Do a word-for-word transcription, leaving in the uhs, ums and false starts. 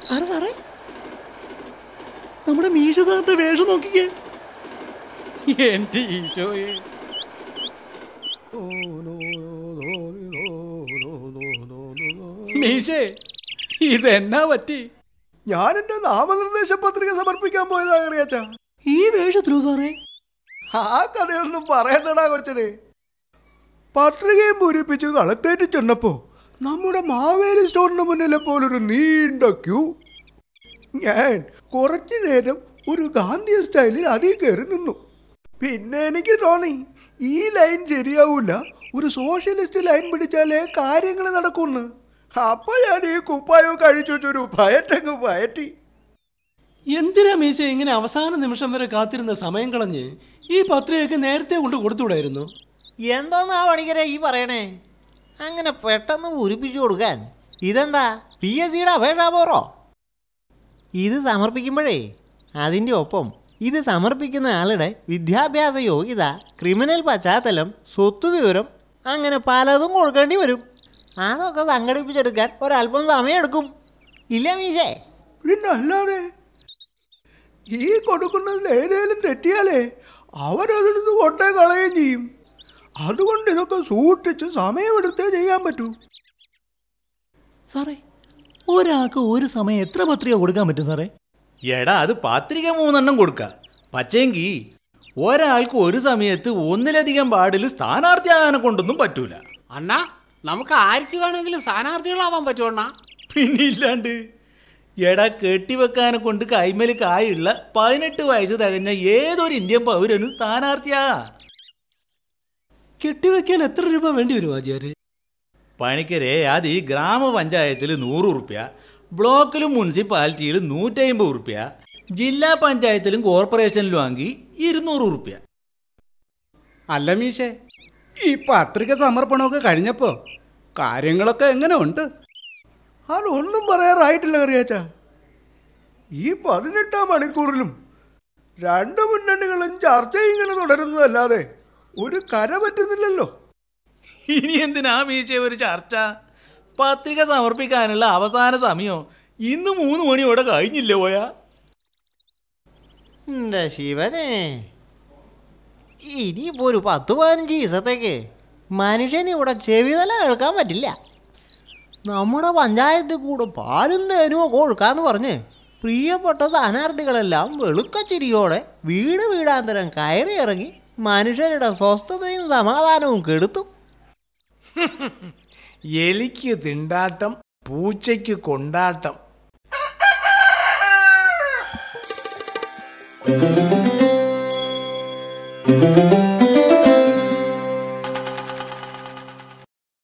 സാറേ സാറേ നമ്മുടെ മീശ സാറിന്റെ വേഷം നോക്കിക്കേ. എന്റെ ഈശോയെ, മീശേ ഇതെന്നാ പറ്റി? ഞാൻ എന്റെ നാമനിർദ്ദേശ പത്രിക സമർപ്പിക്കാൻ പോയതാ കറിയാച്ച. ഈ വേഷത്തിലോ സാറേ? ആ കഥയൊന്നും പറയണ്ടടാ കൊച്ചനെ. പത്രികയും പൂരിപ്പിച്ച് കളക്ടറേറ്റ് ചെന്നപ്പോ നമ്മുടെ മാവേലി സ്റ്റോറിന് മുന്നിലെ പോലൊരു നീണ്ട ക്യൂ. ഞാൻ കുറച്ചു നേരം ഒരു ഗാന്ധി സ്റ്റൈലിൽ അതിൽ കയറി നിന്നു. പിന്നെ എനിക്ക് തോന്നി ഈ ലൈൻ ശരിയാവൂല, ഒരു സോഷ്യലിസ്റ്റ് ലൈൻ പിടിച്ചാലേ കാര്യങ്ങൾ നടക്കുമെന്ന്. അപ്പൊ ഞാൻ ഈ കുപ്പായോ കഴിച്ചൊരു പയറ്റങ്ങ് പയറ്റി. എന്തിനാ മീശ ഇങ്ങനെ അവസാന നിമിഷം വരെ കാത്തിരുന്ന സമയം കളഞ്ഞ് ഈ പത്രികയൊക്കെ നേരത്തെ കൊണ്ട് കൊടുത്തുകൂടായിരുന്നു? എന്തോന്നാ പണിക്കരെ ഈ പറയണേ? അങ്ങനെ പെട്ടെന്ന് പൂരിപ്പിച്ചു കൊടുക്കാൻ ഇതെന്താ പി എസ് സിയുടെ അപേക്ഷാപൂർവോ? ഇത് സമർപ്പിക്കുമ്പോഴേ അതിൻ്റെ ഒപ്പം ഇത് സമർപ്പിക്കുന്ന ആളുടെ വിദ്യാഭ്യാസ യോഗ്യത, ക്രിമിനൽ പശ്ചാത്തലം, സ്വത്ത് വിവരം, അങ്ങനെ പലതും കൊടുക്കേണ്ടി വരും. അതൊക്കെ സംഘടിപ്പിച്ചെടുക്കാൻ ഒരല്പം സമയമെടുക്കും, ഇല്ല മീശേ? പിന്നെ അല്ലാതെ ഈ കൊടുക്കുന്നതിൽ ഏതേലും തെറ്റിയാലേ അവരതെടുത്ത് കൊട്ടേ കളയുകയും ചെയ്യും. അതുകൊണ്ട് ഇതൊക്കെ സൂക്ഷിച്ച് സമയമെടുത്തേ ചെയ്യാൻ പറ്റൂ. സാറേ, ഒരാൾക്ക് ഒരു സമയം എത്ര പത്രിക കൊടുക്കാൻ പറ്റും സാറേ? എടാ, അത് പത്രിക മൂന്നെണ്ണം കൊടുക്ക. പക്ഷേങ്കി ഒരാൾക്ക് ഒരു സമയത്ത് ഒന്നിലധികം വാർഡിൽ സ്ഥാനാർത്ഥിയാകാനെ കൊണ്ടൊന്നും പറ്റൂല. അണ്ണാ, നമുക്ക് ആർക്ക് വേണമെങ്കിലും സ്ഥാനാർത്ഥികളാവാൻ പറ്റുമണ്ണാ? പിന്നില്ലാണ്ട്. എടാ, കെട്ടിവെക്കാനെ കൊണ്ട് കൈമേൽ കായുള്ള പതിനെട്ട് വയസ്സ് തികഞ്ഞ ഏതൊരു ഇന്ത്യൻ പൗരനും സ്ഥാനാർത്ഥിയാ. കെട്ടിവെക്കാൻ എത്ര രൂപ വേണ്ടി വരും ആചാര്യ? പണിക്കരെ, അത് ഈ ഗ്രാമപഞ്ചായത്തിൽ നൂറ് ഉറുപ്പ്യ, ബ്ലോക്കിലും മുനിസിപ്പാലിറ്റിയിലും നൂറ്റമ്പത് ഉറുപ്പ്യ, ജില്ലാ പഞ്ചായത്തിലും കോർപ്പറേഷനിലും ആക്കി ഇരുന്നൂറ് ഉറുപ്പ്യ. അല്ല മീശേ, ഈ പത്രിക സമർപ്പണമൊക്കെ കഴിഞ്ഞപ്പോ കാര്യങ്ങളൊക്കെ എങ്ങനെ ഉണ്ട്? അതൊന്നും പറയാറായിട്ടില്ല കറിയാച്ച. ഈ പതിനെട്ടാം മണിക്കൂറിലും രണ്ട് മുന്നണികളും ചർച്ച ഇങ്ങനെ തുടരുന്നതല്ലാതെ ഒരു കര പറ്റുന്നില്ലല്ലോ. ഇനി എന്തിനാ മീശ ഒരു ചർച്ച? പത്രിക സമർപ്പിക്കാനുള്ള അവസാന സമയം ഇന്ന് മൂന്ന് മണിയോടെ കഴിഞ്ഞില്ലേ പോയാ? എൻ്റെ ശിവനെ, ഇനിയിപ്പോൾ ഒരു പത്ത് പതിനഞ്ച് ദിവസത്തേക്ക് മനുഷ്യന് ഇവിടെ ചെവിതല കേൾക്കാൻ പറ്റില്ല. നമ്മുടെ പഞ്ചായത്തിൽ കൂടെ പാലും തേനും ഒക്കെ കൊടുക്കാന്ന് പറഞ്ഞ് പ്രിയപ്പെട്ട സ്ഥാനാർത്ഥികളെല്ലാം വെളുക്കച്ചിരിയോടെ വീട് വീടാന്തരം കയറി ഇറങ്ങി മനുഷ്യരുടെ സ്വസ്ഥതയും സമാധാനവും കെടുത്തും. എലിക്ക് തിണ്ടാട്ടം, പൂച്ചയ്ക്ക് കൊണ്ടാട്ടം.